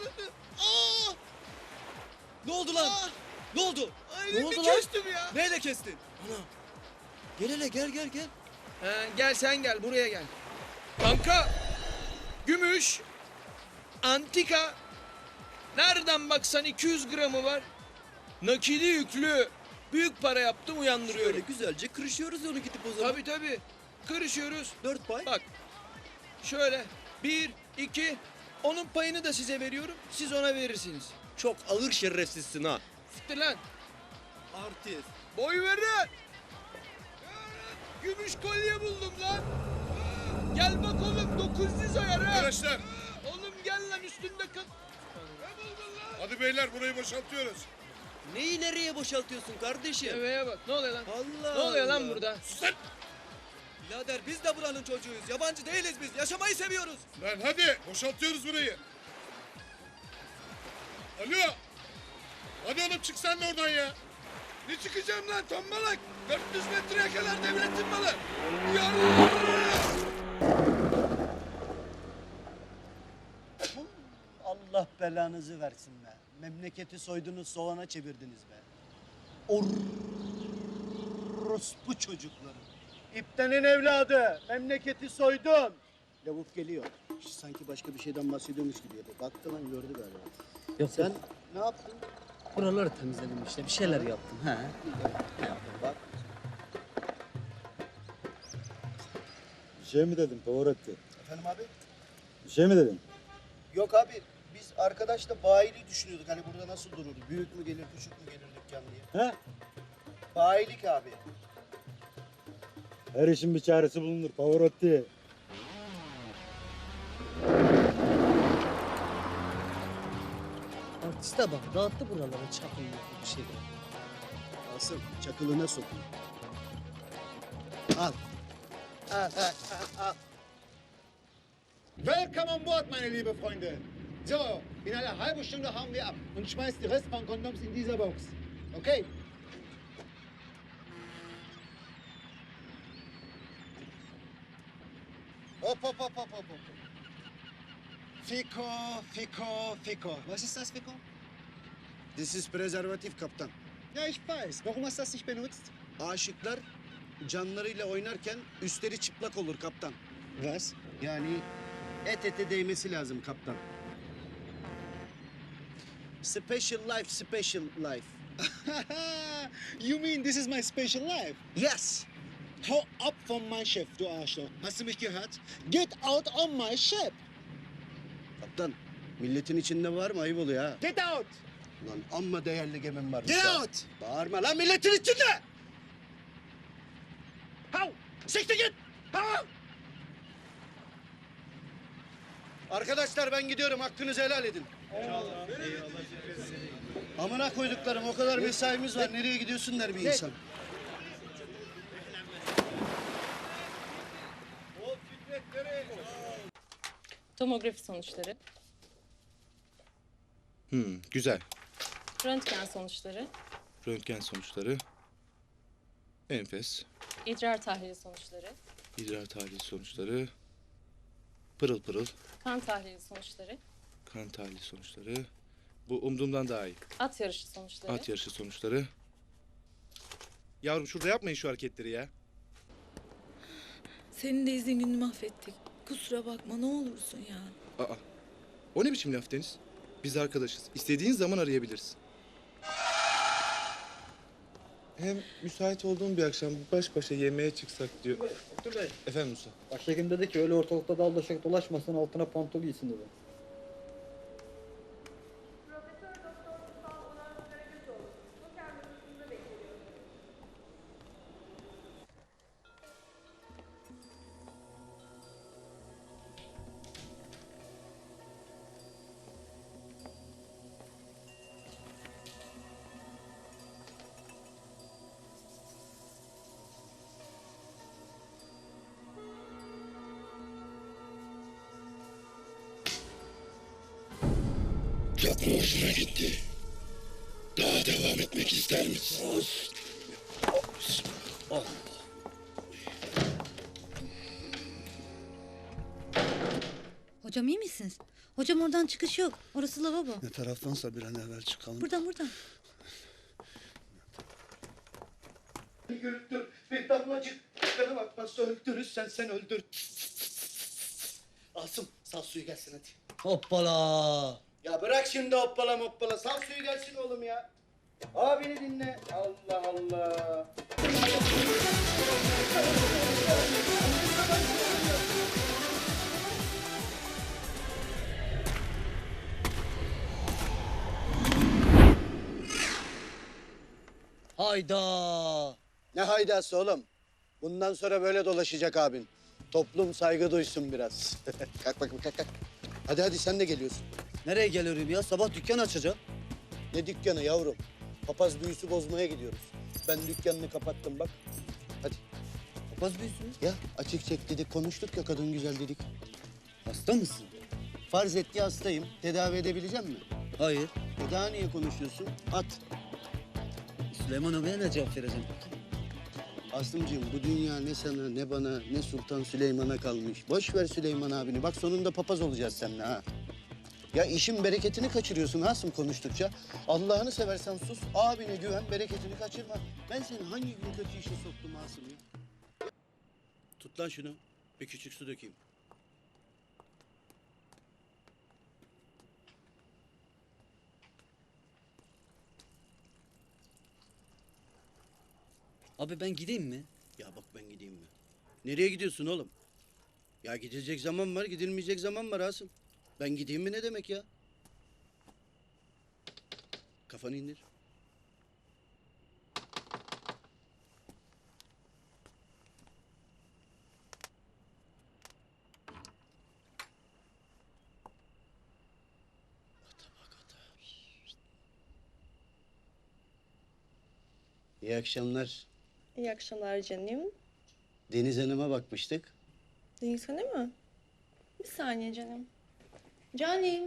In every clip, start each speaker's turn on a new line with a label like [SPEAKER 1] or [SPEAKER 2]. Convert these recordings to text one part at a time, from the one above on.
[SPEAKER 1] Aa!
[SPEAKER 2] Ne oldu lan?
[SPEAKER 1] Aa!
[SPEAKER 2] Ne oldu?
[SPEAKER 1] Ay,
[SPEAKER 2] Ne
[SPEAKER 1] elimi
[SPEAKER 2] oldu lan?
[SPEAKER 1] kestim ya.
[SPEAKER 2] Neyle kestin? Ana. Gel hele gel.
[SPEAKER 1] Gel sen gel buraya gel. Kanka. Gümüş. Antika. Nereden baksan 200 gramı var. Nakili yüklü. Büyük para yaptım
[SPEAKER 2] Böyle
[SPEAKER 1] uyandırıyorum.
[SPEAKER 2] güzelce kırışıyoruz onu gidip o zaman.
[SPEAKER 1] Tabii. Kırışıyoruz.
[SPEAKER 2] 4 pay.
[SPEAKER 1] Bak. Şöyle. 1, 2. Onun payını da size veriyorum. Siz ona verirsiniz.
[SPEAKER 2] Çok ağır şerefsizsin ha.
[SPEAKER 1] Siktir lan.
[SPEAKER 2] Artist.
[SPEAKER 1] Boy verin. Gümüş kolye buldum lan. Gel bak oğlum 900 ayar ha.
[SPEAKER 3] Arkadaşlar
[SPEAKER 1] Oğlum gel lan üstünde kal. Ne buldun lan?
[SPEAKER 3] hadi beyler burayı boşaltıyoruz.
[SPEAKER 2] Neyi nereye boşaltıyorsun kardeşim?
[SPEAKER 1] Deveye bak ne oluyor lan?
[SPEAKER 2] Allah
[SPEAKER 1] Ne oluyor lan
[SPEAKER 2] Allah.
[SPEAKER 1] burada?
[SPEAKER 3] Sus lan!
[SPEAKER 2] Birader biz de buranın çocuğuyuz. Yabancı değiliz biz. Yaşamayı seviyoruz.
[SPEAKER 3] Lan hadi boşaltıyoruz burayı. Alo. Hadi oğlum çık sen de oradan ya.
[SPEAKER 1] Ne çıkacağım lan tombalak? 400 metreye kadar devletin malı.
[SPEAKER 4] Allah belanızı versin be. Memleketi soydunuz, soğana çevirdiniz be. Orospu çocukları. İptenin evladı. Memleketi soydun. Lavuk geliyor. Sanki başka bir şeyden bahsediyormuş gibi yapıyor. Baktı lan gördü galiba.
[SPEAKER 5] Yok
[SPEAKER 4] Sen ne yaptın?
[SPEAKER 5] buraları temizledim işte. Bir şeyler yaptım. He.
[SPEAKER 4] Bak.
[SPEAKER 6] Bir şey mi dedin Pavarotti?
[SPEAKER 4] Efendim abi?
[SPEAKER 6] Bir şey mi dedin?
[SPEAKER 4] Yok abi. Biz arkadaşla bayiliği düşünüyorduk. Hani burada nasıl durur? Büyük mü gelir, küçük mü gelir dükkan diye.
[SPEAKER 6] He?
[SPEAKER 4] Bayilik abi.
[SPEAKER 6] Her işin bir çaresi bulunur Pavarotti.
[SPEAKER 5] Artiste bak dağıttı buraları çakıllı bir şey.
[SPEAKER 4] Asım çakılına sokun. Al. Al.
[SPEAKER 7] Willkommen an Bord, meine liebe Freunde. So, in einer halben Stunde hauen wir ab und schmeißt die Rest von Kondoms in dieser Box. Okay?
[SPEAKER 4] Hop. Fico. Was ist das, Fico? This is prezervatif kaptan.
[SPEAKER 7] Ja, ich weiß. Warum hast du das nicht benutzt?
[SPEAKER 4] Aşıklar canlarıyla oynarken üstleri çıplak olur kaptan.
[SPEAKER 7] Was?
[SPEAKER 4] Yani et ete değmesi lazım kaptan. Special life.
[SPEAKER 7] You mean this is my special life?
[SPEAKER 4] Yes.
[SPEAKER 7] Hau ab von meinem Chef, du Arschloch. Hast du mich gehört? Get out on my ship.
[SPEAKER 4] Kaptan, milletin içinde var mı? Ayıp oluyor ha.
[SPEAKER 7] Get out!
[SPEAKER 4] Lan amma değerli gemim var.
[SPEAKER 7] Get out!
[SPEAKER 4] Bağırma lan milletin içinde!
[SPEAKER 7] Hau! Siktir git! Hau!
[SPEAKER 4] Arkadaşlar ben gidiyorum. Hakkınızı helal edin. Amına koyduklarım o kadar mesaimiz var. Nereye gidiyorsun der bir insan.
[SPEAKER 8] Tomografi sonuçları,
[SPEAKER 3] Güzel.
[SPEAKER 8] röntgen sonuçları,
[SPEAKER 3] Röntgen sonuçları. Enfes.
[SPEAKER 8] idrar tahlili sonuçları,
[SPEAKER 3] İdrar tahlili sonuçları. Pırıl pırıl.
[SPEAKER 8] kan tahlili sonuçları,
[SPEAKER 3] Kan tahlili sonuçları. Bu umduğumdan daha iyi.
[SPEAKER 8] at yarışı sonuçları,
[SPEAKER 3] At yarışı sonuçları. Yavrum şurada yapmayın şu hareketleri ya.
[SPEAKER 9] Senin de izin gününü mahvettik. Kusura bakma ne olursun ya.
[SPEAKER 3] Aa. O ne biçim laf Deniz? Biz arkadaşız. İstediğin zaman arayabilirsin. Hem müsait olduğum bir akşam baş başa yemeğe çıksak diyor.
[SPEAKER 5] Dur Bey.
[SPEAKER 3] Efendim Musa.
[SPEAKER 5] Başhekim dedi ki öyle ortalıkta daldaşak dolaşmasın altına pantol giysin dedi.
[SPEAKER 10] Çok mu hoşuna gitti? Daha devam etmek ister misin?
[SPEAKER 9] Hocam iyi misiniz? Hocam oradan çıkış yok. Orası lavabo.
[SPEAKER 4] Ne taraftansa bir an evvel çıkalım.
[SPEAKER 9] Buradan.
[SPEAKER 4] Güldür bir damlacık. Bana bakmazsa öldürürsen sen öldür. Asım sal suyu gelsin hadi.
[SPEAKER 5] Hoppala.
[SPEAKER 4] Ya bırak şimdi hoppala moppala. Sal suyu gelsin oğlum ya. Abini dinle. Allah Allah.
[SPEAKER 5] Hayda.
[SPEAKER 4] Ne haydası oğlum? Bundan sonra böyle dolaşacak abin. Toplum saygı duysun biraz. Kalk bakayım kalk. Hadi sen de geliyorsun.
[SPEAKER 5] Nereye geliyorum ya? Sabah dükkan açacağım.
[SPEAKER 4] Ne dükkanı yavrum? Papaz büyüsü bozmaya gidiyoruz. Ben dükkanını kapattım bak. Hadi.
[SPEAKER 5] Papaz büyüsü mü?
[SPEAKER 4] Ya açık çek dedik konuştuk ya kadın güzel dedik.
[SPEAKER 5] Hasta mısın?
[SPEAKER 4] Farz et ki hastayım. Tedavi edebilecek mi?
[SPEAKER 5] Hayır.
[SPEAKER 4] Daha niye konuşuyorsun? At.
[SPEAKER 5] Süleyman abiye ne cevap vereceğim?
[SPEAKER 4] Aslımcığım bu dünya ne sana ne bana ne Sultan Süleyman'a kalmış. Boş ver Süleyman abini. Bak sonunda papaz olacağız seninle ha. Ya işin bereketini kaçırıyorsun Asım konuştukça. Allah'ını seversen sus. Abine güven, bereketini kaçırma. Ben seni hangi gün kötü işe soktum Asım ya? Tut lan şunu. Bir küçük su dökeyim.
[SPEAKER 5] Abi ben gideyim mi?
[SPEAKER 4] Ya bak ben gideyim mi? Nereye gidiyorsun oğlum? Ya gidilecek zaman var, gidilmeyecek zaman var Asım. Ben gideyim mi ne demek ya? Kafanı indir. İyi akşamlar.
[SPEAKER 8] İyi akşamlar canım.
[SPEAKER 4] Deniz Hanım'a bakmıştık.
[SPEAKER 8] Deniz Hanım mı? Bir saniye canım. Canım.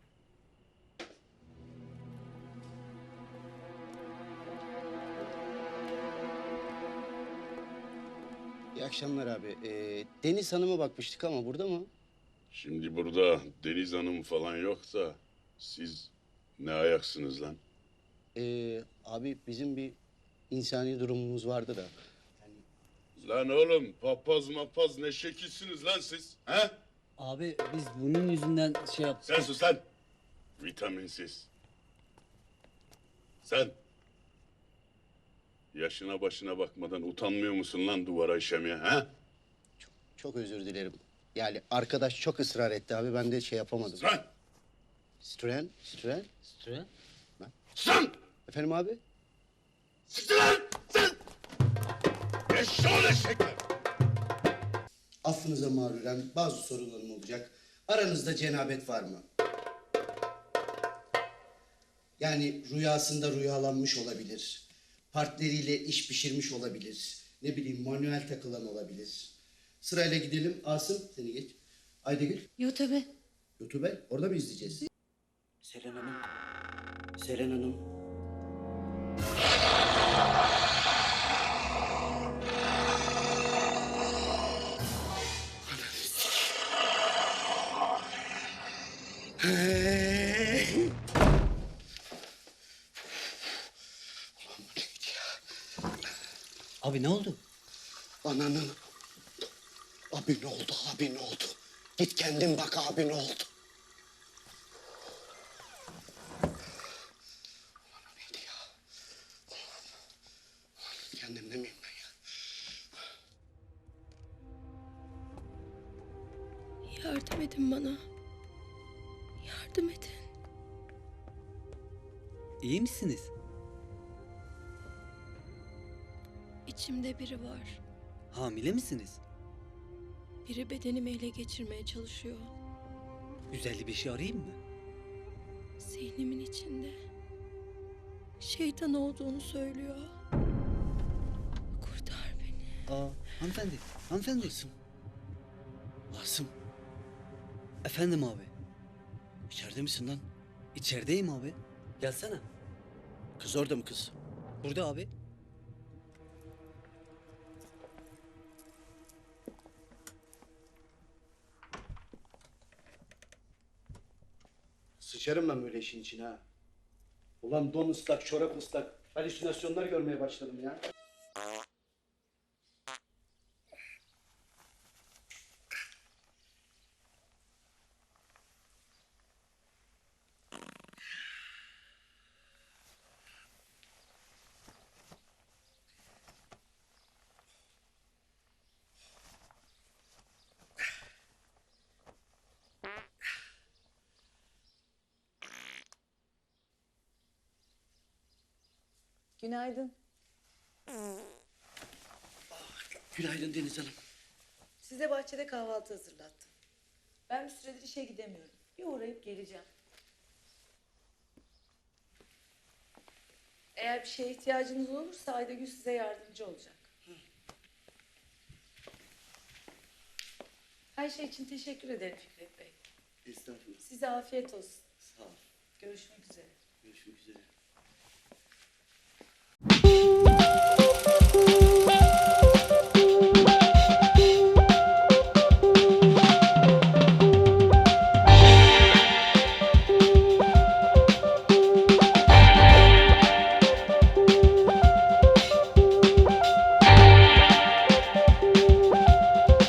[SPEAKER 4] İyi akşamlar abi. Deniz Hanım'a bakmıştık ama burada mı?
[SPEAKER 10] Şimdi burada Deniz Hanım falan yok da siz ne ayaksınız lan?
[SPEAKER 4] Abi bizim bir insani durumumuz vardı da.
[SPEAKER 10] Lan oğlum papaz mapaz ne şekilsiniz lan siz? He?
[SPEAKER 5] Abi biz bunun yüzünden şey yaptık.
[SPEAKER 10] Sen sus lan. Vitaminsiz. Sen. Yaşına başına bakmadan utanmıyor musun lan duvara işemeye he?
[SPEAKER 4] Çok özür dilerim. Yani arkadaş çok ısrar etti abi. Ben de şey yapamadım.
[SPEAKER 10] Lan!
[SPEAKER 4] Stren.
[SPEAKER 5] Süre.
[SPEAKER 10] Sen!
[SPEAKER 4] Efendim abi?
[SPEAKER 10] Siktir lan! Sen! Eşşoğlu eşekler!
[SPEAKER 4] Affınıza mağruren bazı sorularım olacak. Aranızda cenabet var mı? Yani rüyasında rüyalanmış olabilir. Partneriyle iş pişirmiş olabilir. Ne bileyim manuel takılan olabilir. Sırayla gidelim. Asım seni geç. Aydegül.
[SPEAKER 9] Yo tabii.
[SPEAKER 4] YouTube orada mı izleyeceğiz? Seren Hanım. Seren Hanım.
[SPEAKER 5] Abi ne oldu?
[SPEAKER 4] Ananın. Abi ne oldu? Abi ne oldu? Git kendin bak abi ne oldu? Ulan o neydi ya? Kendimde miyim ben ya?
[SPEAKER 9] Yardım edin bana. Yardım edin.
[SPEAKER 5] İyi misiniz?
[SPEAKER 9] İçimde biri var.
[SPEAKER 5] Hamile misiniz?
[SPEAKER 9] Biri bedenimi ele geçirmeye çalışıyor.
[SPEAKER 5] 155'i arayayım mı?
[SPEAKER 9] Zihnimin içinde. Şeytan olduğunu söylüyor. Kurtar beni.
[SPEAKER 5] Aa, hanımefendi.
[SPEAKER 4] Asım
[SPEAKER 5] Efendim abi.
[SPEAKER 4] içeride misin lan?
[SPEAKER 5] İçerideyim abi. Gelsene.
[SPEAKER 4] Kız orada mı kız?
[SPEAKER 5] Burada abi.
[SPEAKER 4] Sıçarım ben böyle işin içine ha. Ulan don ıslak, çorap ıslak. Halüsinasyonlar görmeye başladım ya.
[SPEAKER 9] Günaydın.
[SPEAKER 4] Günaydın Deniz Hanım.
[SPEAKER 9] Size bahçede kahvaltı hazırlattım. Ben bir süredir işe gidemiyorum. Bir uğrayıp geleceğim. Eğer bir şeye ihtiyacınız olursa Aydagül size yardımcı olacak. Her şey için teşekkür ederim Fikret Bey.
[SPEAKER 4] Estağfurullah.
[SPEAKER 9] Size afiyet olsun.
[SPEAKER 4] Sağ ol.
[SPEAKER 9] Görüşmek üzere.
[SPEAKER 4] Görüşmek üzere.